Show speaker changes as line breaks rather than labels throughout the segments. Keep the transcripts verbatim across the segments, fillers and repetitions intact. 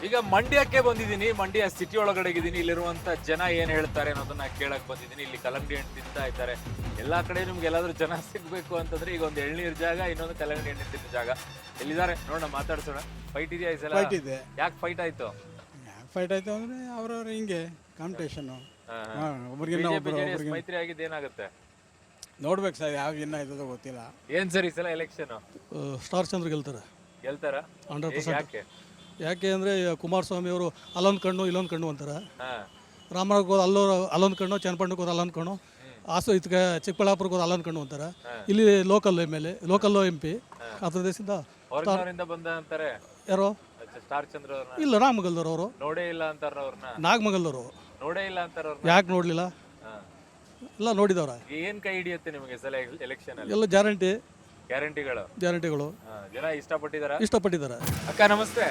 ಈಗ ಮಂಡ್ಯಕ್ಕೆ ಬಂದಿದ್ದೀನಿ, ಮಂಡ್ಯ ಸಿಟಿ ಒಳಗಡೆ ಇದ್ದೀನಿ. ಇಲ್ಲಿರುವಂತ ಜನ ಏನ್ ಹೇಳ್ತಾರೆ ಅನ್ನೋದನ್ನ ಕೇಳಕ್ ಬಂದಿದ್ದೀನಿ. ಇಲ್ಲಿ ಕಲ್ಲಂಗಡಿ ಹಣ್ಣು ತಿಂತಾ ಇದ್ದಾರೆ. ಎಲ್ಲಾ ಕಡೆ ನಿಮ್ಗೆ ಎಲ್ಲಾದ್ರೂ ಜನ ಸಿಗ್ಬೇಕು ಅಂತಂದ್ರೆ ಈಗ ಒಂದು ಎಳ್ನೀರ್ ಜಾಗ, ಇನ್ನೊಂದು ಕಲ್ಲಂಗಡಿ ಹಣ್ಣು ತಿನ್ನೋ ಜಾಗ ಎಲ್ಲಿದ್ದಾರೆ ನೋಡೋಣ, ಮಾತಾಡ್ಸೋಣ. ಫೈಟ್ ಇದೆಯಾ ಈ ಸಲ?
ಫೈಟ್ ಇದೆ.
ಯಾಕೆ ಫೈಟ್ ಆಯ್ತು?
ಯಾಕೆ ಫೈಟ್ ಆಯ್ತು ಅಂದ್ರೆ ಅವ್ರವ್ರ ಹಿಂಗೆ ಕಾಂಪಿಟೇಷನ್
ಮೈತ್ರಿ ಆಗಿದ್ದು ಏನಾಗುತ್ತೆ
ನೋಡ್ಬೇಕು ಸರ್. ಯಾವ ಇನ್ನ ಇದ್ದೋ ಗೊತ್ತಿಲ್ಲ.
ಏನ್ ಸರ್ ಈ ಸಲ ಎಲೆಕ್ಷನ್?
ಸ್ಟಾರ್ ಚಂದ್ರ ಗೆಲ್ತಾರೆ
ಗೆಲ್ತಾರ?
Hundred percent.
ಯಾಕೆ?
ಯಾಕೆ ಅಂದರೆ ಕುಮಾರಸ್ವಾಮಿ ಅವರು ಅಲ್ಲೊಂದು ಕಣ್ಣು ಇಲ್ಲೊಂದು ಕಣ್ಣು ಅಂತಾರೆ.
ಹಾ
ರಾಮನಗರಕ್ಕೆ ಹೋದ ಅಲ್ಲೋ ಅಲ್ಲೊಂದು ಕಣ್ಣು, ಚನ್ನಪಟ್ಟಣಕ್ಕೆ ಹೋದ ಅಲ್ಲೊಂದು ಕಣ್ಣು, ಹಾಸು ಇದಕ್ಕೆ ಚಿಕ್ಕಬಳ್ಳಾಪುರಕ್ಕೆ ಹೋದ ಅಲ್ಲೊಂದು ಕಣ್ಣು ಅಂತಾರೆ. ಇಲ್ಲಿ local M L A, local M P ಹತ್ತು ದೇಶದಿಂದ
ಹೊರಗಿನವರಿಂದ ಬಂದ ಅಂತಾರೆ.
ಯಾರೋ
ಸ್ಟಾರ್ ಚಂದ್ರ ಅವ್ರನ್ನ
ಇಲ್ಲ, ನಾಗಮಗಲ್ದವ್ರು ಅವರು,
ನೋಡೇ ಇಲ್ಲ ಅಂತಾರ. ಅವ್ರನ್ನ
ನಾಗಮಗಲ್ದವರು
ನೋಡೇ ಇಲ್ಲ ಅಂತಾರ.
ಯಾಕೆ ನೋಡಲಿಲ್ಲ? ಎಲ್ಲ ನೋಡಿದವ್ರ.
ಏನ್ ಕೈ ಹಿಡಿಯುತ್ತೆ ನಿಮಗೆ ಸಲ ಎಲೆಕ್ಷನ್ ಅಲ್ಲಿ?
ಎಲ್ಲ ಗ್ಯಾರಂಟಿ
ಗ್ಯಾರಂಟಿಗಳು
ಗ್ಯಾರಂಟಿಗಳು
ಜನ ಇಷ್ಟಪಟ್ಟಿದಾರ
ಇಷ್ಟಪಟ್ಟಿದ್ದಾರೆ.
ಅಕ್ಕ ನಮಸ್ತೆ.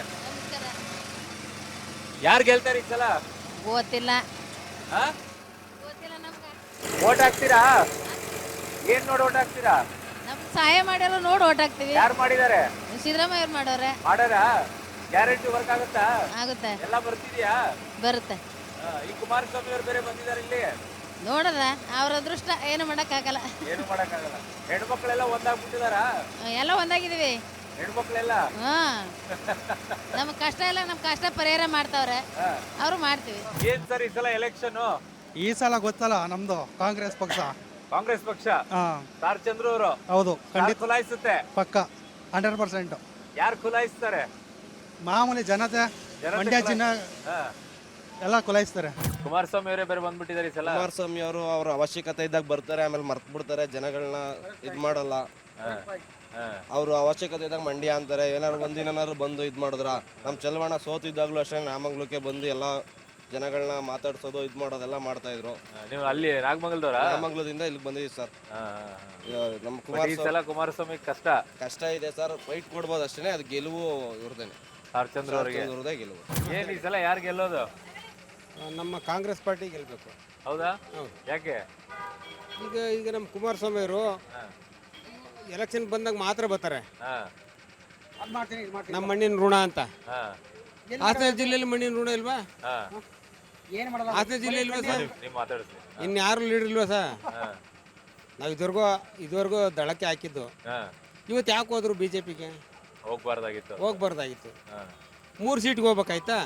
ಯಾರು ಗೆಲ್ತಾರೆ ಈ ಸಲ?
ಗೊತ್ತಿಲ್ಲ.
ಓಟ್ ಹಾಕ್ತೀರಾ? ಏನ್ ನೋಡಿ ಓಟ್ ಹಾಕ್ತೀರಾ?
ನಮ್ ಸಹಾಯ ಮಾಡ್ಯಾರ ನೋಡಿ ಓಟ್ ಹಾಕ್ತಿವಿ.
ಯಾರು ಮಾಡಿದಾರೆ?
ಸಿದ್ದರಾಮಯ್ಯ ಅವ್ರು ಮಾಡೋರೆ.
ಮಾಡಾರ? ಗ್ಯಾರಂಟಿ ವರ್ಕ್ ಆಗುತ್ತಾ?
ಆಗುತ್ತೆ,
ಎಲ್ಲ ಬರ್ತಿದ್ಯಾ?
ಬರುತ್ತೆ.
ಈ ಕುಮಾರಸ್ವಾಮಿ ಅವ್ರು ಬೇರೆ ಬಂದಿದ್ದಾರೆ ಇಲ್ಲಿ.
ನೋಡ್ರ ಅವ್ರ ಅದೃಷ್ಟ, ಏನು ಮಾಡಕ್ ಆಗಲ್ಲ.
ಏನು ಮಾಡಕ್ಕಾಗಲ್ಲ. ಹೆಣ್ಮಕ್ಳೆಲ್ಲ ಒಂದಾಗ್ಬಿಟ್ಟಿದಾರ?
ಎಲ್ಲ ಒಂದಾಗಿದೀವಿ
ಹೆಣ್ಮಕ್ಳೆಲ್ಲ.
ಹಾ ನಮ್ ಕಷ್ಟ ಎಲ್ಲ ನಮ್ ಕಷ್ಟ ಪರಿಹಾರ ಮಾಡ್ತಾವ್ರೆ, ಅವ್ರು ಮಾಡ್ತೀವಿ.
ಏನ್ ಸರ್ ಈ ಸಲ ಎಲೆಕ್ಷನ್?
ಈ ಸಲ ಗೊತ್ತಲ್ಲ, ನಮ್ದು ಕಾಂಗ್ರೆಸ್ ಪಕ್ಷ.
ಕಾಂಗ್ರೆಸ್ ಪಕ್ಷ.
ಹಾ
ಸ್ಟಾರ್ ಚಂದ್ರ ಅವರು.
ಹೌದು, ಖಂಡಿತ
ಖುಲಾಯಿಸುತ್ತೆ
ಪಕ್ಕ ಹಂಡ್ರೆಡ್ ಪರ್ಸೆಂಟ್.
ಯಾರು ಖುಲಾಯಿಸ್ತಾರೆ?
ಮಾಮೂಲಿ ಜನತೆ, ಮಂಡ್ಯ ಜನ ಎಲ್ಲ ಕುಲಾಯಿಸ್ತಾರೆ.
ಕುಮಾರಸ್ವಾಮಿ ಅವರೇ ಬೇರೆ ಬಂದ್ಬಿಟ್ಟಿದ್ದಾರೆ ಈ ಸಲ.
ಕುಮಾರಸ್ವಾಮಿ ಅವರು ಅವ್ರ ಅವಶ್ಯಕತೆ ಇದ್ದಾಗ ಬರ್ತಾರೆ, ಆಮೇಲೆ ಮರ್ತ್ ಬಿಡ್ತಾರೆ, ಜನಗಳನ್ನ ಇದ್ ಮಾಡಲ್ಲ. ಅವ್ರು ಅವಶ್ಯಕತೆ ಇದ್ದಾಗ ಮಂಡ್ಯ ಅಂತಾರೆ. ಏನಾದ್ರು ಒಂದಿನಾರು ಬಂದು ಇದ್ ಮಾಡಿದ್ರ, ನಮ್ ಚಲವಣ ಸೋತಿದ್ದಾಗ್ಲೂ ಅಷ್ಟೇ ನಾಮಂಗ್ಲಕ್ಕೆ ಬಂದು ಎಲ್ಲ ಜನಗಳನ್ನ ಮಾತಾಡ್ಸೋದು ಇದ್ ಮಾಡೋದೆಲ್ಲ ಮಾಡ್ತಾ ಇದ್ರು.
ನೀವು ಅಲ್ಲಿ ನಾಗಮಂಗಲದವರ?
ನಾಗಮಂಗಲದಿಂದ ಇಲ್ಲಿಗೆ ಬಂದಿದ್ದೀವಿ ಸರ್. ನಮ್ಮ
ಕುಮಾರ ಸಲ ಕುಮಾರಸ್ವಾಮಿ ಕಷ್ಟ
ಕಷ್ಟ ಇದೆ ಸರ್. ಫೈಟ್ ಕೊಡ್ಬೋದು ಅಷ್ಟೇ, ಅದು ಗೆಲುವು ಇವ್ರದೇನೆ,
ಸ್ಟಾರ್ ಚಂದ್ರ ಅವರಿಗೆ
ಗೆಲುವು.
ಏನ್ ಈ ಸಲ ಯಾರು ಗೆಲ್ಲೋದು?
ನಮ್ಮ ಕಾಂಗ್ರೆಸ್ ಪಾರ್ಟಿ ಗೆಲ್ಬೇಕು.
ಹೌದಾ? ಯಾಕೆ?
ಈಗ ಈಗ ನಮ್ಮ ಕುಮಾರಸ್ವಾಮಿ ಅವರು ಎಲೆಕ್ಷನ್ ಬಂದಾಗ ಮಾತ್ರ ಬರ್ತಾರೆ. ನಮ್ಮ ಮಣ್ಣಿನ ಋಣ ಅಂತ. ಹಾಸನ ಜಿಲ್ಲೆಯಲ್ಲಿ ಮಣ್ಣಿನ ಋಣ ಇಲ್ವಾ? ಹಾಸನ ಜಿಲ್ಲೆ ಇಲ್ವಾ ಸರ್? ಇನ್ಯಾರು ಲೀಡರ್ ಇಲ್ವಾ ಸರ್? ನಾವು ಇದುವರೆಗೂ ಇದುವರೆಗೂ ದಳಕ್ಕೆ ಹಾಕಿದ್ದು. ಇವತ್ತು ಯಾಕೆ ಹೋದ್ರು ಬಿಜೆಪಿಗೆ?
ಹೋಗ್ಬಾರ್ದಾಗಿತ್ತು.
ಹೋಗ್ಬಾರ್ದಾಗಿತ್ತು. ಮೂರು ಸೀಟ್ಗೆ ಹೋಗ್ಬೇಕಾಯ್ತಾ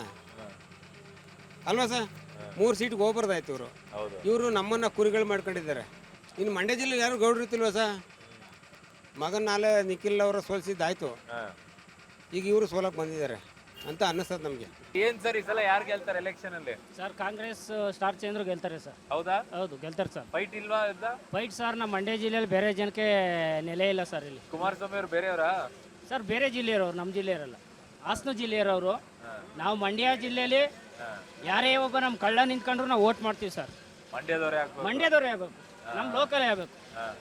ಅಲ್ವಾ ಸರ್? ಮೂರು ಸೀಟ್ಗೆ ಹೋಗ್ಬಾರ್ದಾಯ್ತು ಇವರು. ಇವರು ನಮ್ಮನ್ನ ಕುರಿಗಳು ಮಾಡ್ಕೊಂಡಿದ್ದಾರೆ. ಇನ್ನು ಮಂಡ್ಯ ಜಿಲ್ಲೆ ಯಾರು ಗೌಡ್ರು ಇರ್ತಿಲ್ವಾ ಸರ್? ಮಗನ ನಾಳೆ ನಿಖಿಲ್ ಅವರ ಸೋಲಿಸಿದ್ದಾಯ್ತು, ಈಗ ಇವರು ಸೋಲಕ್ಕೆ ಬಂದಿದ್ದಾರೆ ಅಂತ ಅನ್ನಿಸ್ತದೆ ನಮಗೆ.
ಏನ್ ಸರ್ ಈ ಸಲ ಯಾರು ಗೆಲ್ತಾರೆ ಎಲೆಕ್ಷನ್ ಅಲ್ಲಿ?
ಸರ್ ಕಾಂಗ್ರೆಸ್ ಸ್ಟಾರ್ ಚಂದ್ರ ಗೆಲ್ತಾರೆ ಸರ್.
ಹೌದಾ?
ಹೌದು, ಗೆಲ್ತಾರೆ ಸರ್.
ಫೈಟ್ ಇಲ್ವಾ?
ಫೈಟ್ ಸರ್ ನಮ್ಮ ಮಂಡ್ಯ ಜಿಲ್ಲೆಯಲ್ಲಿ ಬೇರೆ ಜನಕ್ಕೆ ನೆಲೆ ಇಲ್ಲ ಸರ್. ಇಲ್ಲಿ
ಕುಮಾರಸ್ವಾಮಿ ಅವರು ಬೇರೆಯವರಾ
ಸರ್? ಬೇರೆ ಜಿಲ್ಲೆಯವರು, ನಮ್ಮ ಜಿಲ್ಲೆಯವರಲ್ಲ, ಹಾಸನ ಜಿಲ್ಲೆಯವರು. ನಾವು ಮಂಡ್ಯ ಜಿಲ್ಲೆಯಲ್ಲಿ ಯಾರೇ ಒಬ್ಬ ನಮ್ಮ ಕಳ್ಳ ನಿಂತ್ಕೊಂಡ್ರು ನಾವು ವೋಟ್ ಮಾಡ್ತೀವಿ ಸರ್.
ಮಂಡ್ಯದವರೇ
ಮಂಡ್ಯದವರೇ ಆಗ್ಬೇಕು, ನಮ್ಮ ಲೋಕಲೇ ಆಗ್ಬೇಕು.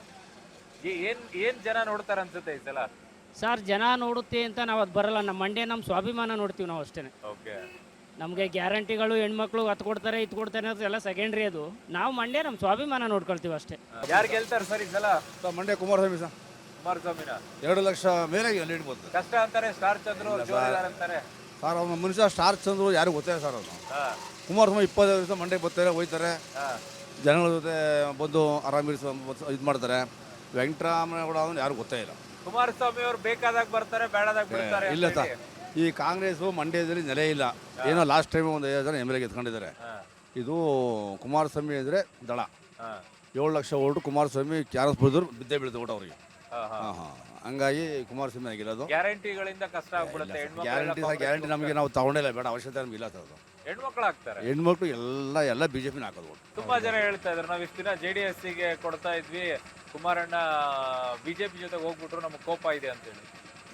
ಏನ್ ಏನ್ ಜನ ನೋಡ್ತಾರ ಅನ್ಸುತ್ತೆ ಈ ಸಲ?
ಸರ್ ಜನ ನೋಡುತ್ತೆ ಅಂತ ನಾವು ಅದು ಬರಲ್ಲ. ನಮ್ಮ ಮಂಡ್ಯ ನಮ್ಮ ಸ್ವಾಭಿಮಾನ ನೋಡ್ತೀವಿ ನಾವು ಅಷ್ಟೇ. ನಮಗೆ ಗ್ಯಾರಂಟಿಗಳು ಹೆಣ್ಮಕ್ಳು ಹತ್ತು ಕೊಡ್ತಾರೆ ಇದು ಕೊಡ್ತಾರೆ ಅನ್ನೋದು ಎಲ್ಲ ಸೆಕೆಂಡ್ರಿ. ಅದು ನಾವು ಮಂಡ್ಯ ನಮ್ಮ ಸ್ವಾಭಿಮಾನ ನೋಡ್ಕೊಳ್ತೀವಿ ಅಷ್ಟೇ.
ಯಾರು ಗೆಲ್ತಾರೆ ಸರ್ ಈ ಸಲ?
ಮಂಡ್ಯ ಕುಮಾರಸ್ವಾಮಿ ಸರ್.
ಕುಮಾರಸ್ವಾಮಿನ
ಎರಡು ಲಕ್ಷ ಮೇಲೆ ಲೀಡ್ ಬಂತು.
ಕಷ್ಟ ಅಂತಾರೆ ಸ್ಟಾರ್ ಚಂದ್ರ ಅವರು ಜೋರಿದಾರ ಅಂತಾರೆ
ಸರ್. ಅವ್ನ ಮನುಷ್ಯ ಸ್ಟಾರ್ ಚಂದ್ರು ಯಾರು ಗೊತ್ತಿಲ್ಲ ಸರ್. ಅವನು ಕುಮಾರಸ್ವಾಮಿ ಇಪ್ಪತ್ತೈದು ದಿವಸ ಮಂಡ್ಯಕ್ಕೆ ಬರ್ತಾರೆ, ಹೋಯ್ತಾರೆ, ಜನಗಳ ಜೊತೆ ಬಂದು ಆರಾಮಿರಿಸ ಇದು ಮಾಡ್ತಾರೆ. ವೆಂಕಟರಾಮನಗೌಡ ಅವನು ಯಾರು ಗೊತ್ತೇ ಇಲ್ಲ.
ಕುಮಾರಸ್ವಾಮಿ ಅವರು ಬೇಕಾದಾಗ ಬರ್ತಾರೆ, ಬೇಡದಾಗ ಬಿಡ್ತಾರೆ.
ಇಲ್ಲ ಸರ್, ಈ ಕಾಂಗ್ರೆಸ್ ಮಂಡ್ಯದಲ್ಲಿ ನೆಲೆ ಇಲ್ಲ. ಏನೋ ಲಾಸ್ಟ್ ಟೈಮ್ ಒಂದು ಐದು ಜನ ಎಮ್ ಎಲ್ ಎ ಎತ್ಕೊಂಡಿದ್ದಾರೆ. ಇದು ಕುಮಾರಸ್ವಾಮಿ ಅಂದರೆ ದಳ. ಏಳು ಲಕ್ಷ ಓಟು ಕುಮಾರಸ್ವಾಮಿ ಕ್ಯಾರಸ್ ಬಿಡಿದ್ರು ಬಿದ್ದೇ ಬೀಳ್ತದೆ ಓಟ್ ಅವ್ರಿಗೆ. ಹಂಗಾಗಿ ಕುಮಾರಸ್ವಾಮಿ ಆಗಿರೋದು.
ಗ್ಯಾರಂಟಿಗಳಿಂದ ಕಷ್ಟ ಆಗ್ಬಿಡುತ್ತೆ.
ಗ್ಯಾರಂಟಿ ಸರ್, ಗ್ಯಾರಂಟಿ ನಮಗೆ ನಾವು ತಗೊಂಡಿಲ್ಲ, ಬೇಡ, ಅವಶ್ಯಕತೆ ನಮ್ಗೆ ಇಲ್ಲ ಸರ್. ಅದು
ಹೆಣ್ಮಕ್ಳು ಹಾಕ್ತಾರೆ.
ಹೆಣ್ಮಕ್ಳು ಎಲ್ಲ ಎಲ್ಲ ಬಿಜೆಪಿನ ಹಾಕೋದು.
ತುಂಬಾ ಜನ ಹೇಳ್ತಾ ಇದ್ರು ನಾವು ಇಷ್ಟು ದಿನ ಜೆ ಡಿ ಎಸ್ ಗೆ ಕೊಡ್ತಾ ಇದ್ವಿ, ಕುಮಾರಣ್ಣ ಬಿಜೆಪಿ ಜೊತೆ ಹೋಗ್ಬಿಟ್ರು, ನಮ್ಗೆ ಕೋಪ ಇದೆ ಅಂತೇಳಿ.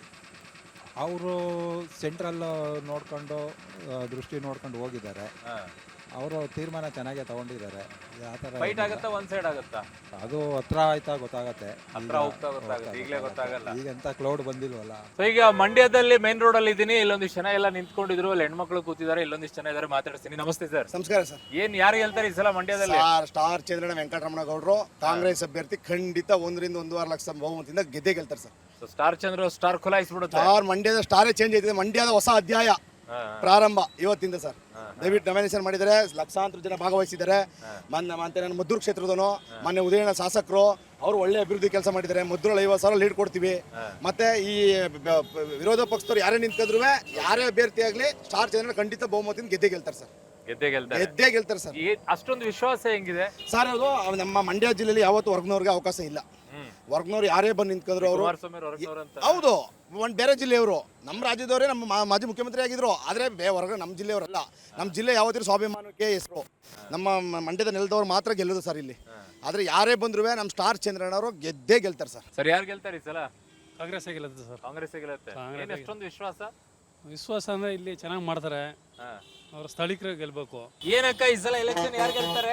ಅವರು ಸೆಂಟ್ರಲ್ ನೋಡ್ಕೊಂಡು ದೃಷ್ಟಿ ನೋಡ್ಕೊಂಡು ಹೋಗಿದ್ದಾರೆ. ಅವರು ತೀರ್ಮಾನ ಚೆನ್ನಾಗೇ ತಗೊಂಡಿದ್ದಾರೆ.
ಫೈಟ್ ಆಗುತ್ತಾ ಒಂದ್ ಸೈಡ್ ಆಗುತ್ತಾ?
ಅದು ಹತ್ರ ಆಯ್ತಾ ಗೊತ್ತಾಗತ್ತೆ.
ಹತ್ರ ಹೋಗ್ತಾ ಗೊತ್ತಾಗುತ್ತೆ, ಈಗಲೇ ಗೊತ್ತಾಗಲ್ಲ.
ಈಗ ಎಂತ ಕ್ಲೌಡ್ ಬಂದಿಲ್ವಲ್ಲ.
ಸೊ ಈಗ ಮಂಡ್ಯದಲ್ಲಿ ಮೇನ್ ರೋಡ್ ಅಲ್ಲಿ ಇದ್ದೀನಿ. ಇಲ್ಲೊಂದಿಷ್ಟು ಜನ ಎಲ್ಲ ನಿಂತ್ಕೊಂಡಿದ್ರು, ಅಲ್ಲಿ ಹೆಣ್ಮಕ್ಳು ಕೂತಿದ್ದಾರೆ, ಇಲ್ಲೊಂದಿಷ್ಟು ಜನ ಇದಾರೆ, ಮಾತಾಡ್ತೀನಿ. ನಮಸ್ತೆ ಸರ್.
ನಮಸ್ಕಾರ ಸರ್.
ಏನ್ ಯಾರು ಹೇಳ್ತಾರೆ ಈ ಸಲ ಮಂಡ್ಯದಲ್ಲಿ?
ಸ್ಟಾರ್ ಚಂದ್ರಣ್ಣ ವೆಂಕಟರಮಣ ಗೌಡರು ಕಾಂಗ್ರೆಸ್ ಅಭ್ಯರ್ಥಿ, ಖಂಡಿತ ಒಂದರಿಂದ ಒಂದೂವರೆ ಲಕ್ಷ ಬಹುಮತದಿಂದ ಗೆದ್ದೇ ಗೆಲ್ತಾರೆ ಸರ್.
ಸ್ಟಾರ್ ಚಂದ್ರ ಸ್ಟಾರ್ ಖುಲಾಯಿಸ್ಬಿಡುತ್ತೆ.
ಸ್ಟಾರ್ ಮಂಡ್ಯದ ಸ್ಟಾರೇ ಚೇಂಜ್ ಆಯ್ತಿದೆ. ಮಂಡ್ಯದ ಹೊಸ ಅಧ್ಯಾಯ. ಪ್ರಾರಂಭ ಇವತ್ತಿಂದ ಸರ್. ದಯವಿಟ್ಟು ನಾಮಿನೇಷನ್ ಮಾಡಿದ್ದಾರೆ, ಲಕ್ಷಾಂತರ ಜನ ಭಾಗವಹಿಸಿದ್ದಾರೆ. ಮೊನ್ನೆ ಮತ್ತೆ ನನ್ನ ಮದ್ದೂರು ಕ್ಷೇತ್ರದವನು ಮೊನ್ನೆ ಉದಯನ ಶಾಸಕರು ಅವರು ಒಳ್ಳೆ ಅಭಿವೃದ್ಧಿ ಕೆಲಸ ಮಾಡಿದ್ದಾರೆ. ಮದ್ದೂರಲ್ಲಿ ಐವತ್ತು ಸಾವಿರ ಲೀಡ್ ಕೊಡ್ತೀವಿ. ಮತ್ತೆ ಈ ಬ- ಬ- ವಿರೋಧ ಪಕ್ಷದವ್ರು ಯಾರೇ ನಿಂತ್ಕೊಂಡ್ರು ಯಾರೇ ಅಭ್ಯರ್ಥಿ ಆಗಲಿ ಸ್ಟಾರ್ ಚಂದ್ರ ಖಂಡಿತ ಬಹುಮತದಿಂದ ಗೆದ್ದೇ ಗೆಲ್ತಾರೆ ಸರ್.
ಗೆದ್ದೆ ಗೆಲ್ತಾರೆ.
ಗೆದ್ದೇ ಗೆಲ್ತಾರೆ ಸರ್.
ಏ- ಅಷ್ಟೊಂದು ವಿಶ್ವಾಸ ಹೆಂಗಿದೆ?
ಸರ್ ಅದು ನಮ್ಮ ಮಂಡ್ಯ ಜಿಲ್ಲೆಯಲ್ಲಿ ಯಾವತ್ತು ಹೊರಗ್ನವ್ರಿಗೆ ಅವಕಾಶ ಇಲ್ಲ. ಹೊರಗ್ನವ್ರು ಯಾರೇ ಬಂದು ನಿಂತ್ಕೊಂಡ್ರು ಅವರು
ಕುಮಾರಸ್ವಾಮಿ ಹೊರಗ್ನವ್ರು ಅಂತ.
ಹೌದು, ಒಂದು ಬೇರೆ ಜಿಲ್ಲೆಯವರು, ನಮ್ಮ ರಾಜ್ಯದವರೇ ನಮ್ಮ ಮಾ- ಮಾಜಿ ಮುಖ್ಯಮಂತ್ರಿ ಆಗಿದ್ರು. ಆದರೆ ಬೇ ಹೊರಗೆ ನಮ್ಮ ಜಿಲ್ಲೆಯವರಲ್ಲ. ನಮ್ಮ ಜಿಲ್ಲೆ ಯಾವತ್ತಿಗೂ ಸ್ವಾಭಿಮಾನಕ್ಕೆ ಹೆಸರು. ನಮ್ಮ ಮ- ಮಂಡ್ಯದ ನೆಲದವ್ರು ಮಾತ್ರ ಗೆಲ್ಲೋದು ಸರ್ ಇಲ್ಲಿ. ಆದರೆ ಯಾರೇ ಬಂದ್ರು ನಮ್ಮ ಸ್ಟಾರ್ ಚಂದ್ರಣ್ಣವರು ಗೆದ್ದೇ ಗೆಲ್ತಾರೆ ಸರ್.
ಸರ್ ಯಾರು ಗೆಲ್ತಾರೆ ಈ ಸಲ?
ಕಾಂಗ್ರೆಸ್ ಗೆಲ್ಲುತ್ತೆ ಸರ್.
ಕಾಂಗ್ರೆಸ್ ಗೆಲ್ಲುತ್ತೆ. ಏನ್ ಅಷ್ಟೊಂದು ವಿಶ್ವಾಸ?
ವಿಶ್ವಾಸ ಅಂದರೆ ಇಲ್ಲಿ ಚೆನ್ನಾಗಿ ಮಾಡ್ತಾರೆ,
ಹಾ.
ಅವ್ರ ಸ್ಥಳೀಕರು ಗೆಲ್ಬೇಕು.
ಏನಕ್ಕ ಈ ಸಲ ಎಲೆಕ್ಷನ್ ಯಾರು ಗೆಲ್ತಾರೆ?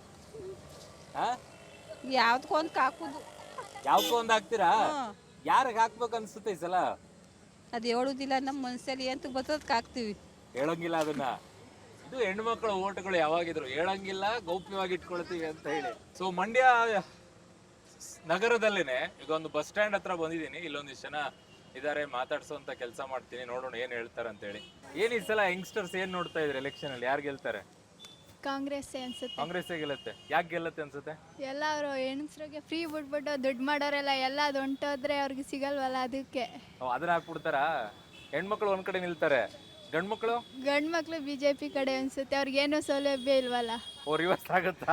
ಯಾವ್ದಕ್ಕೊಂದು ಹಾಕುದು
ಯಾವ್ಕೋ ಒಂದ್ ಹಾಕ್ತೀರಾ? ಯಾರಿಗೆ ಹಾಕ್ಬೇಕು ಅನ್ಸುತ್ತೆ ಈ ಸಲ?
ಅದು ಹೇಳುದಿಲ್ಲ, ನಮ್ಮ ಮನಸ್ಸಲ್ಲಿ ಎಂತ ಬರ್ತದಕ್ಕೆ ಹಾಕ್ತೀವಿ.
ಹೇಳಂಗಿಲ್ಲ ಅದನ್ನ. ಇದು ಹೆಣ್ಣು ಮಕ್ಕಳ ಓಟ್ಗಳು ಯಾವಾಗಿದ್ರು ಹೇಳಂಗಿಲ್ಲ, ಗೌಪ್ಯವಾಗಿ ಇಟ್ಕೊಳ್ತೀವಿ ಅಂತ ಹೇಳಿ. ಸೊ ಮಂಡ್ಯ ನಗರದಲ್ಲೇನೆ ಈಗ ಒಂದು ಬಸ್ ಸ್ಟ್ಯಾಂಡ್ ಹತ್ರ ಬಂದಿದ್ದೀನಿ. ಇಲ್ಲೊಂದಿಷ್ಟು ಜನ ಇದಾರೆ, ಮಾತಾಡ್ಸೋಂತ ಕೆಲಸ ಮಾಡ್ತೀನಿ, ನೋಡೋಣ ಏನ್ ಹೇಳ್ತಾರೆ ಅಂತ ಹೇಳಿ. ಏನ್ ಈ ಸಲ ಯಂಗ್ಸ್ಟರ್ಸ್ ಏನ್ ನೋಡ್ತಾ ಇದ್ರೆ ಎಲೆಕ್ಷನ್ ಅಲ್ಲಿ ಯಾರು ಗೆಲ್ತಾರೆ?
ಕಾಂಗ್ರೆಸ್ ಅನ್ಸುತ್ತೆ.
ಕಾಂಗ್ರೆಸ್ ಗೆಲ್ಲತ್ತೆ. ಯಾಕೆ ಗೆಲ್ಲತ್ತೆ ಅನ್ಸುತ್ತೆ?
ಎಲ್ಲ ಅವರು ಹೆಣ್ಸ್ರಿಗೆ ಫ್ರೀ ಬಿಟ್ಬಿಟ್ಟು ದುಡ್ಡು ಮಾಡೋರೆಲ್ಲ ಎಲ್ಲ ಅದು ಹೊಂಟೋದ್ರೆ ಅವ್ರಿಗೆ ಸಿಗಲ್ವಲ್ಲ, ಅದಕ್ಕೆ
ಓ, ಅದನ್ನ ಹಾಕ್ಬಿಡ್ತಾರಾ? ಹೆಣ್ಮಕ್ಳು ಒಂದ್ ಕಡೆ ನಿಲ್ತಾರೆ, ಗಂಡ್ಮಕ್ಳು
ಗಂಡು ಮಕ್ಳು ಬಿ ಜೆ ಪಿ ಕಡೆ ಅನ್ಸುತ್ತೆ. ಅವ್ರಿಗೇನು ಸೌಲಭ್ಯ ಇಲ್ವಲ್ಲ.
ಓ ರಿವರ್ಸ್ ಆಗುತ್ತಾ?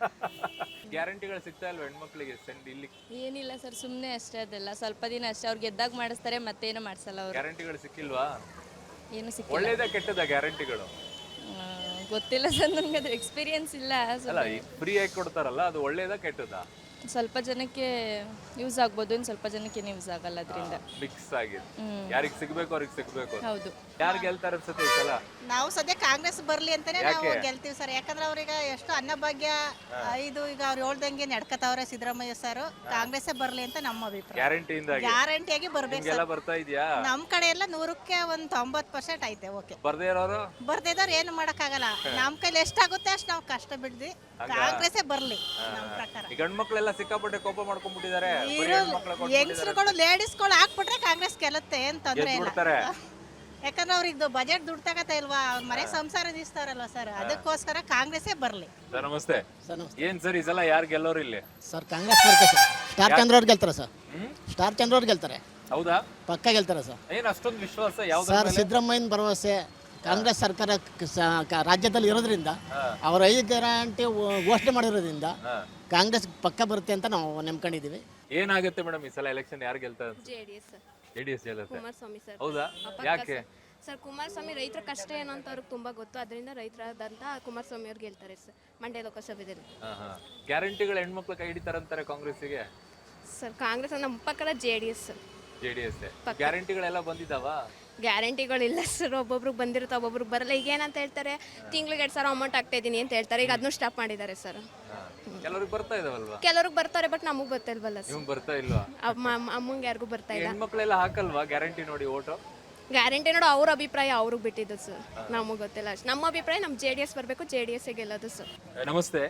ಗ್ಯಾರಂಟಿಗಳು ಸಿಗ್ತಾ ಇಲ್ವಾ ಹೆಣ್ಮಕ್ಳಿಗೆ ಸೆಂಡ್ ಇಲ್ಲಿ?
ಏನಿಲ್ಲ ಸರ್, ಸುಮ್ಮನೆ ಅಷ್ಟೇ. ಅದೆಲ್ಲ ಸ್ವಲ್ಪ ದಿನ ಅಷ್ಟೇ. ಅವ್ರು ಗೆದ್ದಾಗ ಮಾಡಿಸ್ತಾರೆ, ಮತ್ತೇನು ಮಾಡಿಸಲ್ಲ ಅವರು.
ಗ್ಯಾರಂಟಿಗಳು ಸಿಕ್ಕಿಲ್ವಾ?
ಏನು ಸಿಕ್ಕಿಲ್ಲ.
ಒಳ್ಳೇದ ಕೆಟ್ಟದ ಗ್ಯಾರಂಟಿಗಳು?
ಗೊತ್ತಿಲ್ಲ ಸರ್, ನನಗೆ ಅದ್ರ ಎಕ್ಸ್ಪೀರಿಯನ್ಸ್ ಇಲ್ಲ.
ಅಲ್ಲ, ಫ್ರೀ ಆಗಿ ಕೊಡ್ತಾರಲ್ಲ, ಅದು ಒಳ್ಳೇದ ಕೆಟ್ಟದ?
ಸ್ವಲ್ಪ ಜನಕ್ಕೆ ಯೂಸ್ ಆಗ್ಬೋದು, ಇನ್ನು ಸ್ವಲ್ಪ ಜನಕ್ಕೆ ಯೂಸ್ ಆಗಲ್ಲ ಅದರಿಂದ.
ಮಿಕ್ಸ್ ಆಗಿದೆ. ಯಾರಿಗೆ ಸಿಗ್ಬೇಕು ಅವ್ರಿಗೆ ಸಿಗ್ಬೇಕು.
ಹೌದು.
ಯಾರು ಗೆಲ್ತಾರೆ ಅನ್ಸುತ್ತೆ ಈ ಸಲ?
ನಾವು ಸದ್ಯ ಕಾಂಗ್ರೆಸ್ ಬರ್ಲಿ ಅಂತಾನೆ ನಾವು ಗೆಲ್ತೀವಿ ಸರ್. ಯಾಕಂದ್ರೆ ಅವ್ರಿಗೆ ಎಷ್ಟು ಅನ್ನಭಾಗ್ಯ ಇದು ಈಗ ಅವ್ರು ಹೇಳ್ದಂಗೆ ನಡ್ಕತಾವ್ರೆ ಸಿದ್ದರಾಮಯ್ಯ ಸರ್. ಕಾಂಗ್ರೆಸ್ ಬರ್ಲಿ ಅಂತ ನಮ್ಮ ಅಭಿಪ್ರಾಯ.
ಗ್ಯಾರಂಟಿಯಿಂದ
ಗ್ಯಾರಂಟಿಯಾಗಿ ಬರ್ಬೇಕು
ಎಲ್ಲ
ಸರ್.
ಬರ್ತಾ ಇದೆಯಾ?
ನಮ್ ಕಡೆ ಎಲ್ಲ ನೂರಕ್ಕೆ ಒಂದ್ ತೊಂಬತ್ ಪರ್ಸೆಂಟ್ ಐತೆ. ಓಕೆ,
ಬರ್ದೇ ಇರೋರು
ಬರ್ದಿದ್ದವ್ರು ಏನು ಮಾಡಕ್ಕಾಗಲ್ಲ. ನಮ್ ಕೈಲಿ ಎಷ್ಟಾಗುತ್ತೆ ಅಷ್ಟು ನಾವು ಕಷ್ಟ ಬಿಡ್ದಿ. ಕಾಂಗ್ರೆಸ್ಸೇ ಬರ್ಲಿ ನಮ್ಮ ಪ್ರಕಾರ.
ಈ ಗಂಡ್ ಮಕ್ಳೆಲ್ಲ ಸಿಕ್ಕಾಪಟ್ಟೆ ಕೋಪ ಮಾಡ್ಕೊಂಡ್ಬಿಟ್ಟಿದ್ದಾರೆ.
ಯಂಗ್ಸ್ರುಗಳು ಲೇಡೀಸ್ಗಳು ಹಾಕ್ಬಿಟ್ರೆ ಕಾಂಗ್ರೆಸ್ ಗೆಲ್ಲುತ್ತೆ, ಏನ್ ತೊಂದ್ರೆ ಇಲ್ಲ.
ಬಿಡ್ತಾರೆ.
ಯಾಕಂದ್ರೆ ಅವ್ರಿಗೆ ಬಜೆಟ್ ದುಡ್ಡು ತಗತ್ತ ಇಲ್ವಾ, ಅವ್ರ ಮನೆ ಸಂಸಾರ ನಿಲ್ಲಿಸ್ತಾರಲ್ವಾ ಸರ್, ಅದಕ್ಕೋಸ್ಕರ ಕಾಂಗ್ರೆಸ್ಸೇ ಬರ್ಲಿ.
ಸರ್ ನಮಸ್ತೆ. ಏನ್ ಸರ್ ಈ ಸಲ ಯಾರು ಗೆಲ್ಲೋರು ಇಲ್ಲಿ?
ಸರ್ ಕಾಂಗ್ರೆಸ್ ಬರುತ್ತೆ ಸರ್. ಸ್ಟಾರ್ ಚಂದ್ರ ಅವ್ರು ಗೆಲ್ತಾರೆ ಸರ್. ಸ್ಟಾರ್ ಚಂದ್ರ ಅವ್ರು ಗೆಲ್ತಾರೆ.
ಹೌದಾ?
ಪಕ್ಕ ಗೆಲ್ತಾರೆ ಸರ್.
ಏನ್ ಅಷ್ಟೊಂದು ವಿಶ್ವಾಸ ಯಾವ್ದು?
ಸರ್ ಸಿದ್ದರಾಮಯ್ಯನ ಭರವಸೆ ಕಾಂಗ್ರೆಸ್ ಸರ್ಕಾರ ಕ- ಕ- ರಾಜ್ಯದಲ್ಲಿ ಇರೋದ್ರಿಂದ, ಅವ್ರ ಐದು ಗ್ಯಾರಂಟಿ ಘೋಷಣೆ ಮಾಡಿರೋದ್ರಿಂದ ಕಾಂಗ್ರೆಸ್ ಪಕ್ಕ ಬರುತ್ತೆ ಅಂತ ನಾವು ನಂಬ್ಕೊಂಡಿದ್ದೀವಿ.
ಏನಾಗುತ್ತೆ ಮೇಡಮ್ ಈ ಸಲ ಎಲೆಕ್ಷನ್ ಯಾರು ಗೆಲ್ತಾರೆ?
ಜೆಡಿಎಸ್
ಜೆಡಿಎಸ್ ಗೆಲ್ಲುತ್ತೆ.
ಕುಮಾರಸ್ವಾಮಿ ಸರ್.
ಹೌದಾ? ಯಾಕೆ
ಸರ್, ಕುಮಾರಸ್ವಾಮಿ ರೈತರ ಕಷ್ಟ ಏನು ಅಂತ ಅವ್ರಿಗೆ ತುಂಬಾ ಗೊತ್ತು. ಅದರಿಂದ ರೈತರಾದಂತ ಕುಮಾರಸ್ವಾಮಿ ಅವ್ರು ಗೆಲ್ತಾರೆ ಸರ್ ಮಂಡ್ಯ ಲೋಕಸಭೆಯಲ್ಲಿ.
ಗ್ಯಾರಂಟಿಗಳು ಹೆಣ್ಮಕ್ಳು ಕೈ ಹಿಡಿತಾರಂತಾರೆ ಕಾಂಗ್ರೆಸ್ಸಿಗೆ.
ಸರ್ ಕಾಂಗ್ರೆಸ್ ನಮ್ಮ ಪಕ್ಕದ J D S.
J D S ಗ್ಯಾರಂಟಿಗಳೆಲ್ಲ ಬಂದಿದ್ದಾವ?
ಗ್ಯಾರಂಟಿಗಳಿಲ್ಲ ಸರ್, ಒಬ್ಬೊಬ್ರಿಗೆ ಬಂದಿರುತ್ತೆ, ಒಬ್ಬೊಬ್ರಿಗೆ ಬರಲ್ಲ. ಈಗ ಏನಂತ ಹೇಳ್ತಾರೆ, ತಿಂಗ್ಳಿಗೆ ಎರಡು ಸಾವಿರ ಅಮೌಂಟ್ ಆಗ್ತಾ ಇದೀನಿ ಅಂತ ಹೇಳ್ತಾರೆ. ಈಗ ಅದನ್ನು ಸ್ಟಾಪ್ ಮಾಡಿದ್ದಾರೆ ಸರ್.
ಕೆಲವ್ರಿಗೆ ಬರ್ತಾ ಇದಾವಲ್ವಾ?
ಕೆಲವ್ರಿಗೆ ಬರ್ತಾರೆ, ಬಟ್ ನಮಗೆ ಬರ್ತಾ ಇಲ್ವಲ್ಲ ಸರ್.
ನಿಮ್ಗೆ ಬರ್ತಾ ಇಲ್ವಾ?
ಅಮ್ಮಂಗೆ ಯಾರಿಗೂ ಬರ್ತಾ ಇಲ್ಲ.
ಹೆಣ್ಮಕ್ಳೆಲ್ಲ ಹಾಕಲ್ವಾ ಗ್ಯಾರಂಟಿ ನೋಡಿ ಓಟು?
ಗ್ಯಾರಂಟಿ ನೋಡು, ಅವ್ರ ಅಭಿಪ್ರಾಯ ಅವ್ರಿಗೆ ಬಿಟ್ಟಿದ್ದು ಸರ್, ನಮಗೆ ಗೊತ್ತಿಲ್ಲ ಅಷ್ಟು. ನಮ್ಮ ಅಭಿಪ್ರಾಯ ನಮ್ಮ ಜೆ ಡಿ ಎಸ್ ಬರಬೇಕು, ಜೆ ಡಿ ಎಸ್ ಗೆಲ್ಲೋದು ಸರ್.
ನಮಸ್ತೆ.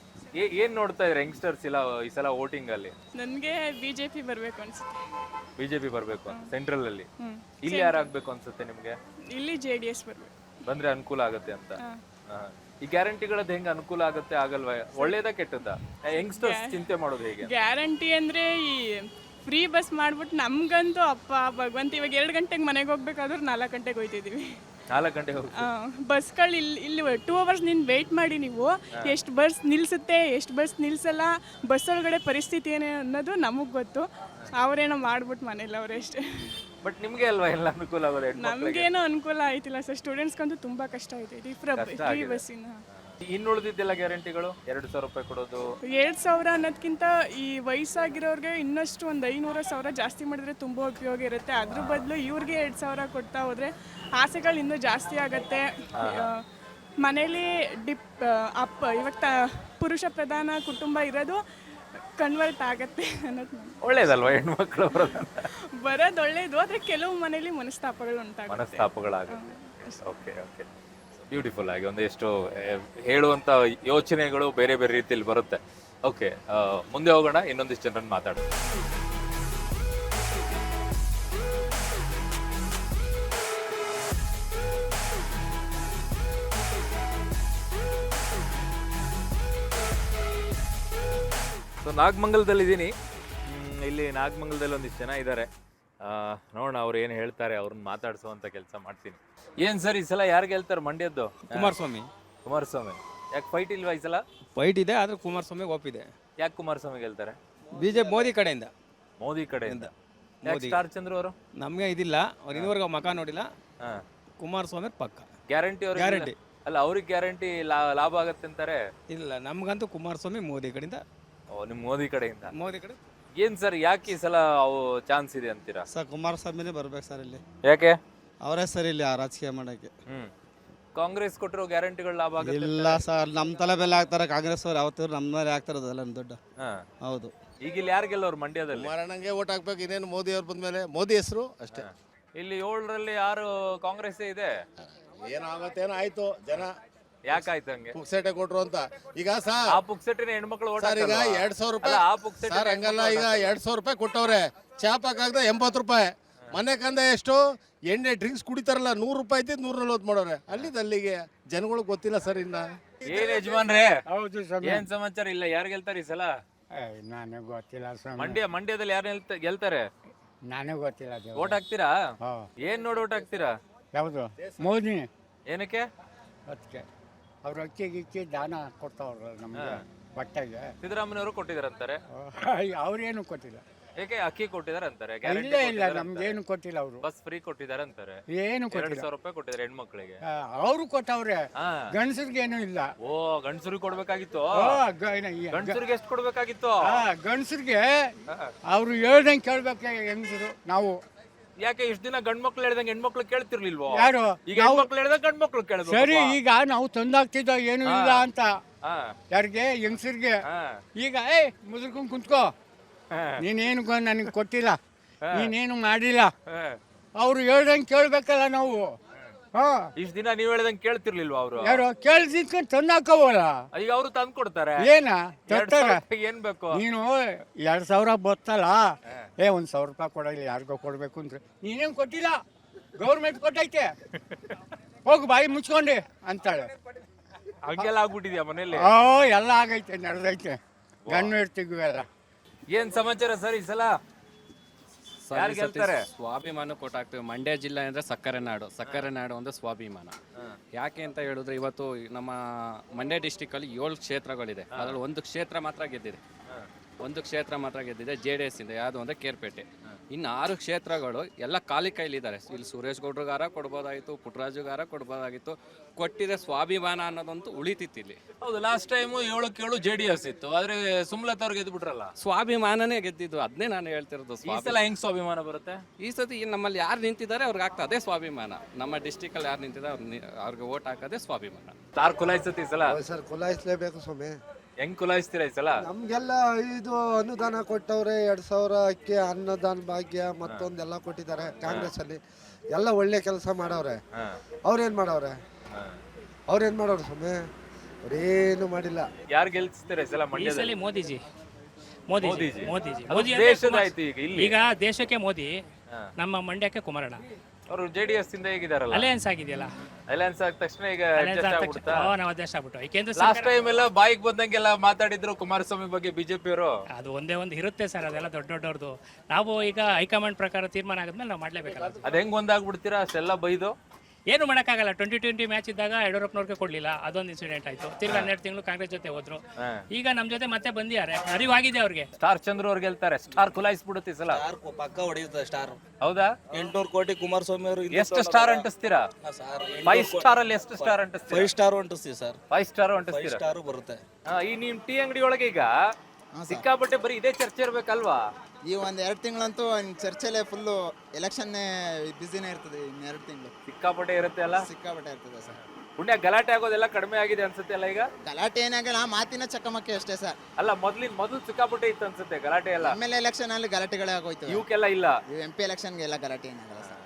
ಏ- ಏನ್ ನೋಡ್ತಾ ಇದ್ರೆ ಯಂಗ್ಸ್ಟರ್ಸ್ ಇಲ್ಲ ಈ ಸಲ ವೋಟಿಂಗ್ ಅಲ್ಲಿ?
ನನಗೆ ಬಿಜೆಪಿ ಬರಬೇಕು ಅನ್ಸುತ್ತೆ.
ಬಿಜೆಪಿ ಬರ್ಬೇಕು ಸೆಂಟ್ರಲ್ ಅಲ್ಲಿ. ಇಲ್ಲಿ ಯಾರು ಆಗ್ಬೇಕು ಅನ್ಸುತ್ತೆ ನಿಮ್ಗೆ?
ಇಲ್ಲಿ ಜೆ ಡಿ ಎಸ್ ಬರಬೇಕು.
ಬಂದ್ರೆ ಅನುಕೂಲ ಆಗುತ್ತೆ ಅಂತ. ಹಾ. ಈ ಗ್ಯಾರಂಟಿಗಳದ್ದು ಹೆಂಗ್ ಅನುಕೂಲ ಆಗುತ್ತೆ ಆಗಲ್ವಾ? ಒಳ್ಳೇದಾ ಕೆಟ್ಟದಾ? ಯಂಗ್ಸ್ಟರ್ಸ್ ಚಿಂತೆ ಮಾಡೋದು ಹೇಗೆ?
ಗ್ಯಾರಂಟಿ ಅಂದರೆ ಈ ಫ್ರೀ ಬಸ್ ಮಾಡ್ಬಿಟ್ಟು ನಮ್ಗಂತೂ ಅಪ್ಪ ಭಗವಂತ, ಇವಾಗ ಎರಡು ಗಂಟೆಗೆ ಮನೆಗೆ ಹೋಗ್ಬೇಕಾದ್ರೂ ನಾಲ್ಕು ಗಂಟೆಗೆ ಹೋಗ್ತಿದ್ದೀವಿ.
ನಾಲ್ಕು ಗಂಟೆಗೆ ಹೋಗಿ
ಬಸ್ಗಳು ಇಲ್ಲಿ ಇಲ್ಲಿ ಟೂ ಅವರ್ಸ್ ನಿನ್ನ ವೆಯ್ಟ್ ಮಾಡಿ ನೀವು ಎಷ್ಟು ಬಸ್ ನಿಲ್ಲಿಸುತ್ತೆ, ಎಷ್ಟು ಬಸ್ ನಿಲ್ಲಿಸಲ್ಲ, ಬಸ್ ಒಳಗಡೆ ಪರಿಸ್ಥಿತಿ ಏನೇ ಅನ್ನೋದು ನಮಗೆ ಗೊತ್ತು. ಅವರೇನೋ ಮಾಡ್ಬಿಟ್ಟು ಮನೇಲಿ ಅವರೇ ಅಷ್ಟೇ.
ಬಟ್ ನಿಮ್ಗೆ ಅಲ್ವಾ ಎಲ್ಲ ಅನುಕೂಲ ಆಗೋದು?
ನಮಗೇನೋ ಅನುಕೂಲ ಆಯ್ತಿಲ್ಲ ಸರ್, ಸ್ಟೂಡೆಂಟ್ಸ್ಗಂತೂ ತುಂಬ ಕಷ್ಟ ಆಯ್ತೈತಿ ಫ್ರೀ ಬಸ್ಸಿನ.
ಇನ್ನು ಉಳಿದಿದ್ದೆಲ್ಲ ಗ್ಯಾರಂಟಿಗಳು ಎರಡು ಸಾವಿರ ರೂಪಾಯಿ ಕೊಡೋದು.
ಎರಡು ಸಾವಿರ ಅನ್ನೋದಕ್ಕಿಂತ ಈ ವಯಸ್ಸಾಗಿರೋರಿಗೆ ಇನ್ನಷ್ಟು ಒಂದು ಐನೂರು ಸಾವಿರ ಜಾಸ್ತಿ ಮಾಡಿದ್ರೆ ತುಂಬ ಉಪಯೋಗ ಇರುತ್ತೆ. ಅದ್ರ ಬದಲು ಇವ್ರಿಗೆ ಎರಡು ಸಾವಿರ ಕೊಡ್ತಾ ಹೋದರೆ ಆಸೆಗಳು ಇನ್ನೂ ಜಾಸ್ತಿ ಆಗುತ್ತೆ. ಮನೇಲಿ ಡಿಪ್ ಅಪ್ಪ ಇವಾಗ ತ ಪುರುಷ ಪ್ರಧಾನ ಕುಟುಂಬ ಇರೋದು ಕನ್ವರ್ಟ್ ಆಗತ್ತೆ ಅನ್ನೋದು
ಒಳ್ಳೇದಲ್ವಾ? ಹೆಣ್ಮಕ್ಳು
ಬರೋದು ಒಳ್ಳೇದು, ಆದರೆ ಕೆಲವು ಮನೇಲಿ ಮನಸ್ತಾಪಗಳು ಉಂಟಾಗುತ್ತೆ.
ಮನಸ್ತಾಪಗಳಾಗುತ್ತೆ. ಓಕೆ ಓಕೆ ಬ್ಯೂಟಿಫುಲ್ ಆಗಿ ಒಂದೆಷ್ಟು ಹೇಳುವಂತ ಯೋಚನೆಗಳು ಬೇರೆ ಬೇರೆ ರೀತಿಯಲ್ಲಿ ಬರುತ್ತೆ. ಓಕೆ, ಮುಂದೆ ಹೋಗೋಣ, ಇನ್ನೊಂದಿಷ್ಟು ಜನರನ್ನು ಮಾತಾಡೋಣ. ಸೊ ನಾಗಮಂಗಲದಲ್ಲಿ ಇದ್ದೀನಿ. ಇಲ್ಲಿ ನಾಗಮಂಗಲದಲ್ಲಿ ಒಂದಿಷ್ಟು ಜನ ಇದ್ದಾರೆ. ನೋಡೋಣ ಅವ್ರು ಏನು ಹೇಳ್ತಾರೆ, ಅವ್ರನ್ನ ಮಾತಾಡಿಸುವಂತ ಕೆಲಸ ಮಾಡ್ತೀನಿ. ಏನ್ ಸರ್ ಈ ಸಲ ಯಾರು ಗೆಲ್ತಾರೆ ಮಂಡ್ಯದ್ದು?
ಕುಮಾರಸ್ವಾಮಿ.
ಕುಮಾರಸ್ವಾಮಿ. ಯಾಕೆ ಫೈಟ್ ಇಲ್ವಾ ಈ ಸಲ?
ಫೈಟ್ ಇದೆ, ಆದ್ರೆ ಕುಮಾರಸ್ವಾಮಿ ಒಪ್ಪಿದೆ.
ಯಾಕೆ ಕುಮಾರಸ್ವಾಮಿ ಗೆಲ್ತಾರೆ?
ಬಿಜೆಪಿ ಮೋದಿ ಕಡೆಯಿಂದ.
ಮೋದಿ ಕಡೆಯಿಂದ. ಸ್ಟಾರ್ ಚಂದ್ರ ಅವರು
ನಮಗೆ ಇದಿಲ್ಲ, ಅವ್ರು ಇನ್ನೂವರೆಗೂ ಮಕ ನೋಡಿಲ್ಲ. ಕುಮಾರಸ್ವಾಮಿ ಪಕ್ಕ
ಗ್ಯಾರಂಟಿ ಅವ್ರಿಗೆ
ಗ್ಯಾರಂಟಿ.
ಅಲ್ಲ, ಅವ್ರಿಗೆ ಗ್ಯಾರಂಟಿ ಲಾಭ ಆಗತ್ತೆ ಅಂತಾರೆ.
ಇಲ್ಲ, ನಮಗಂತೂ ಕುಮಾರಸ್ವಾಮಿ ಮೋದಿ ಕಡೆಯಿಂದ.
ಓ, ನಿಮ್ ಮೋದಿ ಕಡೆಯಿಂದ.
ಮೋದಿ ಕಡೆ
ಏನ್ ಸರ್ ಯಾಕೆ ಈ ಸಲ ಅವು ಚಾನ್ಸ್ ಇದೆ ಅಂತೀರಾ?
ಸರ್ ಕುಮಾರಸ್ವಾಮಿನೇ ಬರ್ಬೇಕು ಸರ್ ಇಲ್ಲಿ.
ಯಾಕೆ?
ಅವರೇ ಸರ್ ಇಲ್ಲಿ ಆ ರಾಜಕೀಯ ಮಾಡೋಕ್ಕೆ.
ಹ್ಮ್ ಕಾಂಗ್ರೆಸ್ ಕೊಟ್ಟಿರೋ ಗ್ಯಾರಂಟಿಗಳು ಲಾಭ ಆಗುತ್ತೆ?
ಇಲ್ಲ ಸರ್, ನಮ್ಮ ತಲೆ ಮೇಲೆ ಹಾಕ್ತಾರೆ ಕಾಂಗ್ರೆಸ್ ಅವ್ರು. ಯಾವತ್ತೂ ನಮ್ಮ ಮೇಲೆ ಹಾಕ್ತಾರೆ ಅದೆಲ್ಲ ದುಡ್ಡು.
ಹಾ.
ಹೌದು.
ಈಗ ಇಲ್ಲಿ ಯಾರು ಗೆಲ್ಲೋರು ಮಂಡ್ಯದಲ್ಲಿ?
ಕುಮಾರಣ್ಣಂಗೆ ಓಟ್ ಹಾಕ್ಬೇಕು, ಇನ್ನೇನು ಮೋದಿ ಅವ್ರು ಬಂದ್ಮೇಲೆ ಮೋದಿ ಹೆಸರು ಅಷ್ಟೇ.
ಇಲ್ಲಿ ಏಳರಲ್ಲಿ ಯಾರು ಕಾಂಗ್ರೆಸ್ ಇದೆ.
ಏನಾಗತ್ತೇನೋ ಆಯ್ತು, ಜನ
ಯಾಕಾಯ್ತು ಹಂಗೆ?
ಪುಕ್ಸೇಟೆ ಕೊಟ್ರು ಅಂತ. ಈಗ ಸರ್
ಆ ಪುಕ್ಸೆಟ್ಟಿನ ಹೆಣ್ಮಕ್ಳು ಓಟ್
ಸರ್ ಈಗ ಎರಡ್ ಸಾವಿರ ರೂಪಾಯಿ
ಆ ಪುಕ್ಸೆಟ್
ಸರ್ ಹಂಗಲ್ಲ, ಈಗ ಎರಡ್ ಸಾವಿರ ರೂಪಾಯಿ ಕೊಟ್ಟವ್ರೆ, ಚಾಪಾಕಾಗ್ದ ಎಂಬತ್ತು ರೂಪಾಯಿ. ಮನೆ ಕಂದ ಎಷ್ಟು ಎಣ್ಣೆ ಡ್ರಿಂಕ್ಸ್ ಕುಡಿತಾರಲ್ಲ, ನೂರು ರೂಪಾಯಿ ಇದ್ದಿದ್ದು ನೂರ ನಲ್ವತ್ತು ಮಾಡೋರೆ. ಅಲ್ಲಿಂದ ಅಲ್ಲಿಗೆ ಜನಗಳಿಗೆ ಗೊತ್ತಿಲ್ಲ ಸರ್. ಇನ್ನ
ಏನ್ ಯಜಮಾನ್ರೆ,
ಹೌದು
ಏನ್ ಸಮಾಚಾರ? ಇಲ್ಲ ಯಾರು ಗೆಲ್ತಾರೆ ಈ ಸಲ
ನನಗೆ ಗೊತ್ತಿಲ್ಲ ಸ್ವಾಮಿ,
ಮಂಡ್ಯ ಮಂಡ್ಯದಲ್ಲಿ ಯಾರು ಗೆಲ್ತಾರೆ?
ನನಗೆ ಗೊತ್ತಿಲ್ಲ.
ಓಟ್ ಹಾಕ್ತೀರಾ? ಏನ್ ನೋಡಿ ಓಟ್ ಹಾಕ್ತೀರಾ?
ಯಾವುದು? ಮೋದಿ.
ಏನಕ್ಕೆ?
ಅದಕ್ಕೆ ಅವ್ರು ಅಕ್ಕಿ ಗಿಕ್ಕಿ ದಾನ ಕೊಡ್ತಾವ್ರ ನಮಗೆ ಬಟ್ಟೆಗೆ.
ಸಿದ್ದರಾಮಯ್ಯವರು ಕೊಟ್ಟಿದಾರಂತಾರೆ.
ಅವ್ರೇನು ಕೊಟ್ಟಿಲ್ಲ.
ಏಕೆ? ಅಕ್ಕಿ ಕೊಟ್ಟಿದಾರೆ ಅಂತಾರೆ.
ಇಲ್ಲ ಇಲ್ಲ, ನಮ್ಗೇನು ಕೊಟ್ಟಿಲ್ಲ ಅವರು.
ಬಸ್ ಫ್ರೀ ಕೊಟ್ಟಿದ್ದಾರೆ ಅಂತಾರೆ.
ಏನು
ಎರಡ್
ಕೊಟ್ಟಿಲ್ಲ.
ಸಾವಿರ ರೂಪಾಯಿ ಕೊಟ್ಟಿದ್ದಾರೆ ಹೆಣ್ಮಕ್ಳಿಗೆ.
ಅವರು ಕೊಟ್ಟವ್ರೆ,
ಹಾ.
ಗಂಡಸರಿಗೇನು ಇಲ್ಲ.
ಓ, ಗಂಡಸರಿಗೆ ಕೊಡ್ಬೇಕಾಗಿತ್ತು.
ಓ, ಗ- ಏನ- ಈ-
ಗಂಡಸರಿಗೆ ಎಷ್ಟು ಕೊಡ್ಬೇಕಾಗಿತ್ತು?
ಆ, ಗಂಡಸರಿಗೆ ಅವ್ರು ಹೇಳ್ದಂಗೆ ಕೇಳ್ಬೇಕು ಹೆಂಗಸರು. ನಾವು
ಯಾಕೆ ಇಷ್ಟ ದಿನ ಗಂಡ್ ಮಕ್ಳು ಹೇಳ್ದಂಗೆ ಹೆಣ್ಮಕ್ಳು ಕೇಳ್ತಿರ್ಲಿಲ್ವೋ?
ಯಾರು?
ಈಗ ಹೆಣ್ಮಕ್ಳು ಹೇಳ್ದಂಗೆ ಗಂಡ್ ಮಕ್ಳು ಕೇಳ್ಬೇಕು.
ಸರಿ, ಈಗ ನಾವು ತಂದಾಗ್ತಿದ್ದೋ ಏನು ಇಲ್ಲ ಅಂತ.
ಹಾ.
ಯಾರಿಗೆ? ಹೆಂಗಸರಿಗೆ.
ಹಾ.
ಈಗ ಏ ಮುದುರ್ಕೊಂಡ್ ಕುಂತ್ಕೋ, ನೀನೇನು ನನಗೆ ಕೊಟ್ಟಿಲ್ಲ, ನೀನೇನು ಮಾಡಿಲ್ಲ,
ಹಾ.
ಅವ್ರು ಹೇಳ್ದಂಗೆ ಕೇಳ್ಬೇಕಲ್ಲ ನಾವು. ಹಾ,
ಇಷ್ಟ ದಿನ ನೀವ್ ಹೇಳ್ದಂಗೆ ಕೇಳ್ತಿರ್ಲಿಲ್ವಾ ಅವರು?
ಯಾರು ಕೇಳ್ದಿದ್ಕೊಂಡು ತಂದಾಕವಲ್ಲ.
ಈಗ ಅವರು ತಂದ್ ಕೊಡ್ತಾರೆ.
ಏನ ತರ್ತಾರೆ?
ಏನ್ ಬೇಕು?
ನೀನು ಎರಡ್ ಸಾವಿರ ಬರ್ತಲ್ಲ, ಏ ಒಂದ್ ಸಾವಿರ ರೂಪಾಯಿ ಕೊಡಲ್ಲ, ಯಾರಿಗೋ ಕೊಡ್ಬೇಕು ಅಂದ್ರೆ ನೀನೇನು ಕೊಟ್ಟಿಲ್ಲ, ಗೌರ್ಮೆಂಟ್ ಕೊಟ್ಟೈತೆ, ಹೋಗು ಬಾಯಿ ಮುಚ್ಕೊಂಡೆ ಅಂತಾಳೆ.
ಹಂಗೆಲ್ಲ ಆಗ್ಬಿಟ್ಟಿದ್ಯಾ ಮನೇಲಿ?
ಓ, ಎಲ್ಲ ಆಗೈತೆ, ನಡೆದೈತೆ. ಗಣ್ಣು ಇರ್ತೀವಿ ಎಲ್ಲ.
ಏನ್ ಸಮಾಚಾರ ಸರ್ ಈ ಸಲ ಯಾರು ಗೆಲ್ತಾರೆ?
ಸ್ವಾಭಿಮಾನ ಕೊಟ್ಟು ಹಾಕ್ತೀವಿ. ಮಂಡ್ಯ ಜಿಲ್ಲೆ ಅಂದರೆ ಸಕ್ಕರೆ ನಾಡು. ಸಕ್ಕರೆ ನಾಡು ಅಂದರೆ ಸ್ವಾಭಿಮಾನ. ಯಾಕೆ ಅಂತ ಹೇಳಿದ್ರೆ ಇವತ್ತು ನಮ್ಮ ಮಂಡ್ಯ ಡಿಸ್ಟಿಕಲ್ಲಿ ಏಳು ಕ್ಷೇತ್ರಗಳಿದೆ. ಅದರಲ್ಲಿ ಒಂದು ಕ್ಷೇತ್ರ ಮಾತ್ರ ಗೆದ್ದಿದೆ. ಒಂದು ಕ್ಷೇತ್ರ ಮಾತ್ರ ಗೆದ್ದಿದೆ ಜೆ ಡಿ ಎಸ್ ಇಂದ. ಯಾವುದು ಅಂದರೆ ಕೇರ್ಪೇಟೆ. ಇನ್ನು ಆರು ಕ್ಷೇತ್ರಗಳು ಎಲ್ಲ ಖಾಲಿ ಕೈಲಿದ್ದಾರೆ. ಇಲ್ಲಿ ಸುರೇಶ್ ಗೌಡ್ರಿಗಾರ ಕೊಡ್ಬೋದಾಗಿತ್ತು, ಪುಟ್ಟರಾಜುಗಾರ ಕೊಡ್ಬೋದಾಗಿತ್ತು. ಕೊಟ್ಟಿದೆ ಸ್ವಾಭಿಮಾನ ಅನ್ನೋದಂತೂ ಉಳಿತಿತ್ತು ಇಲ್ಲಿ.
ಹೌದು, ಲಾಸ್ಟ್ ಟೈಮ್ ಏಳಕ್ಕೆ ಏಳು ಜೆ ಡಿ ಎಸ್ ಇತ್ತು, ಆದ್ರೆ ಸುಮ್ಲತ್ ಅವ್ರು ಗೆದ್ದು ಬಿಟ್ರಲ್ಲ.
ಸ್ವಾಭಿಮಾನನೇ ಗೆದ್ದಿದ್ದು, ಅದನ್ನೇ ನಾನು ಹೇಳ್ತಿರೋದು.
ಈ ಸಲ ಹೆಂಗ್ ಸ್ವಾಭಿಮಾನ ಬರುತ್ತೆ?
ಈ ಸತಿ ನಮ್ಮಲ್ಲಿ ಯಾರು ನಿಂತಿದ್ದಾರೆ ಅವ್ರಿಗೆ ಆಗ್ತದೆ ಅದೇ ಸ್ವಾಭಿಮಾನ. ನಮ್ಮ ಡಿಸ್ಟಿಕಲ್ಲಿ ಯಾರು ನಿಂತಿದ್ದಾರೆ ಅವ್ರು ಅವ್ರಿಗೆ ಓಟ್ ಹಾಕೋದೇ ಸ್ವಾಭಿಮಾನ.
ತಾರ್ ಕುಲಾಯಿಸುತ್ತೆ ಈ ಸಲ.
ಸರ್ ಕುಲಾಯಿಸ್ಲೇಬೇಕು ಸ್ವಾಮಿ.
ಹೆಂಗ್ ಕುಲಾಯಿಸ್ತೀರಾ ಈ ಸಲ?
ನಮ್ಗೆಲ್ಲ ಇದು ಅನುದಾನ ಕೊಟ್ಟವ್ರೆ, ಎರಡ್ ಸಾವಿರ ಅಕ್ಕಿ, ಅನ್ನದಾನ ಭಾಗ್ಯ, ಮತ್ತೊಂದೆಲ್ಲ ಕೊಟ್ಟಿದ್ದಾರೆ ಕಾಂಗ್ರೆಸ್ ಅಲ್ಲಿ. ಎಲ್ಲ ಒಳ್ಳೆ ಕೆಲಸ ಮಾಡವ್ರೆ. ಅವ್ರೇನ್ ಮಾಡವ್ರೆ? ಅವ್ರೇನ್ ಮಾಡೋರು ಸ್ವಾಮಿ? ಅವ್ರೇನು ಮಾಡಿಲ್ಲ.
ಯಾರು ಗೆಲ್ಸ್ತಾರೆ ಈ ಸಲ ಮಂಡ್ಯದಲ್ಲಿ?
ಮೋದಿಜಿ. ಮೋದಿಜಿ
ಮೋದಿಜಿ.
ಮೋದಿಜಿ
ಅದು
ಮೋದಿ
ದೇಶದ ಆಯ್ತು ಈಗ ಇಲ್ಲಿ.
ಈಗ ದೇಶಕ್ಕೆ ಮೋದಿ, ನಮ್ಮ ಮಂಡ್ಯಕ್ಕೆ ಕುಮಾರಣ್ಣ.
ಅವರು ಜೆ ಡಿ ಎಸ್ ಇಂದ ಹೇಗಿದಾರಲ್ಲ,
ಅಲಯನ್ಸ್ ಆಗಿದೆಯಲ್ಲ.
ಅಲಯನ್ಸ್ ಆದ ತಕ್ಷಣ ಈಗ adjust ಆಗ್ಬಿಡ್ತಾ?
ನಾವು ಅಡ್ಜಸ್ಟ್ ಆಗ್ಬಿಟ್ಟು. ಯಾಕೆಂದ್ರೆ
ಲಾಸ್ಟ್ ಟೈಮ್ ಎಲ್ಲ ಬಾಯಿಗೆ ಬಂದಂಗೆಲ್ಲ ಮಾತಾಡಿದ್ರು ಕುಮಾರಸ್ವಾಮಿ ಬಗ್ಗೆ ಬಿಜೆಪಿ ಅವರು.
ಅದು ಒಂದೇ ಒಂದು ಇರುತ್ತೆ ಸರ್, ಅದೆಲ್ಲ ದೊಡ್ಡ ದೊಡ್ಡವ್ರದ್ದು. ನಾವು ಈಗ ಹೈಕಮಾಂಡ್ ಪ್ರಕಾರ ತೀರ್ಮಾನ ಆದ್ಮೇಲೆ ನಾವು ಮಾಡ್ಲೇಬೇಕಲ್ಲ.
ಅದ್ ಹೆಂಗ್ ಒಂದಾಗ್ಬಿಡ್ತೀರಾ ಅಷ್ಟೆಲ್ಲ ಬೈದು?
ಏನು ಮಾಡೋಕ್ಕಾಗಲ್ಲ. ಟ್ವೆಂಟಿ ಟ್ವೆಂಟಿ ಮ್ಯಾಚ್ ಇದ್ದಾಗ ಯಡಿಯೂರಪ್ಪನವ್ರಿಗೆ ಕೊಡ್ಲಿಲ್ಲ, ಅದೊಂದು ಇನ್ಸಿಡೆಂಟ್ ಆಯ್ತು. ತಿರ್ಗಿ ಹನ್ನೆರಡು ತಿಂಗಳು ಕಾಂಗ್ರೆಸ್ ಜೊತೆ ಹೋದ್ರು. ಈಗ ನಮ್ ಜೊತೆ ಮತ್ತೆ ಬಂದಿದ್ದಾರೆ, ಅರಿವಾಗಿದೆ ಅವ್ರಿಗೆ.
ಸ್ಟಾರ್ ಚಂದ್ರ ಅವ್ರು ಗೆಲ್ತಾರೆ. ಸ್ಟಾರ್ ಕುಲಾಯಿಸ್ಬಿಡುತ್ತೆ ಈ ಸಲ.
ಪಕ್ಕ ಹೊಡೆಯುತ್ತೆ ಸ್ಟಾರ್.
ಹೌದಾ?
ಎಂಟ್ನೂರು ಕೋಟಿ ಕುಮಾರಸ್ವಾಮಿ ಅವರು.
ಎಷ್ಟು ಸ್ಟಾರ್ ಅಂಟಿಸ್ತೀರಾ? ಫೈವ್ ಸ್ಟಾರ್ ಅಲ್ಲಿ ಎಷ್ಟು ಸ್ಟಾರ್ ಅಂಟಿಸ್ತೀರಾ?
ಫೈವ್ ಸ್ಟಾರ್ ಅಂಟಿಸ್ತೀವಿ ಸರ್.
ಫೈವ್ ಸ್ಟಾರ್
ಫೈವ್
ಅಂಟಿಸ್ತೀರಾ?
ಸ್ಟಾರ್ ಬರುತ್ತೆ.
ಈ ನಿಮ್ ಟೀ ಅಂಗಡಿ ಒಳಗೆ ಈಗ ಸಿಕ್ಕಾಪಟ್ಟೆ ಬರೀ ಇದೇ ಚರ್ಚೆ ಇರ್ಬೇಕಲ್ವಾ?
ಈ ಒಂದ್ ಎರಡು ತಿಂಗಳಂತೂ ಚರ್ಚೆಲೆ ಫುಲ್ಲು ಎಲೆಕ್ಷನ್ನೇ ಬಿಸಿನೇ ಇರ್ತದೆ. ಇನ್ನು ಎರಡು ತಿಂಗಳು
ಸಿಕ್ಕಾಪಟ್ಟೆ ಇರುತ್ತೆ ಅಲ್ಲ?
ಸಿಕ್ಕಾಪಟ್ಟೆ ಇರ್ತದೆ ಸರ್.
ಪುಣ್ಯ ಗಲಾಟೆ ಆಗೋದೆಲ್ಲ ಕಡಿಮೆ ಆಗಿದೆ ಅನ್ಸುತ್ತೆ ಅಲ್ಲ ಈಗ?
ಗಲಾಟೆ ಏನಾಗಲ್ಲ, ಮಾತಿನ ಚಕಮಕಿ ಅಷ್ಟೇ ಸರ್.
ಅಲ್ಲ, ಮೊದ್ಲಿನ ಮೊದಲು ಸಿಕ್ಕಾಪಟ್ಟೆ ಇತ್ತು ಅನ್ಸುತ್ತೆ ಗಲಾಟೆ ಎಲ್ಲ.
ಎಮ್ ಎಲ್ ಎಲೆಕ್ಷನ್ ಅಲ್ಲಿ ಗಲಾಟೆಗಳೇ ಆಗೋಯ್ತು.
ಇವಕ್ಕೆಲ್ಲ ಇಲ್ಲ.
ಎಂ ಪಿ ಎಲೆಕ್ಷನ್ಗೆ ಎಲ್ಲ ಗಲಾಟೆ ಏನಾಗಲ್ಲ ಸರ್.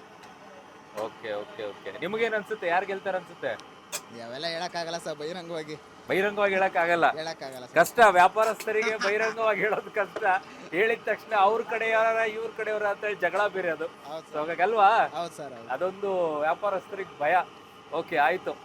ಓಕೆ ಓಕೆ ಓಕೆ ನಿಮಗೇನ್ ಅನ್ಸುತ್ತೆ? ಯಾರು ಗೆಲ್ತಾರ ಅನ್ಸುತ್ತೆ?
ಯಾವೆಲ್ಲ ಹೇಳಕ್ಕಾಗಲ್ಲ ಸರ್, ಬಹಿರಂಗವಾಗಿ
ಬಹಿರಂಗವಾಗಿ ಹೇಳಕ್ ಆಗಲ್ಲ.
ಹೇಳಕ್ಕಾಗಲ್ಲ
ಕಷ್ಟ. ವ್ಯಾಪಾರಸ್ಥರಿಗೆ ಬಹಿರಂಗವಾಗಿ ಹೇಳೋದು ಕಷ್ಟ. ಹೇಳಿದ ತಕ್ಷಣ ಅವ್ರ ಕಡೆಯವರ ಇವ್ರ ಕಡೆಯವರ ಅಂತ ಹೇಳಿ ಜಗಳ ಬೇರೆ ಅದು. ಹಾಗಾಗಲ್ವಾ?
ಹೌದು ಸರ್.
ಅದೊಂದು ವ್ಯಾಪಾರಸ್ಥರಿಗೆ ಭಯ. ಓಕೆ ಆಯ್ತು.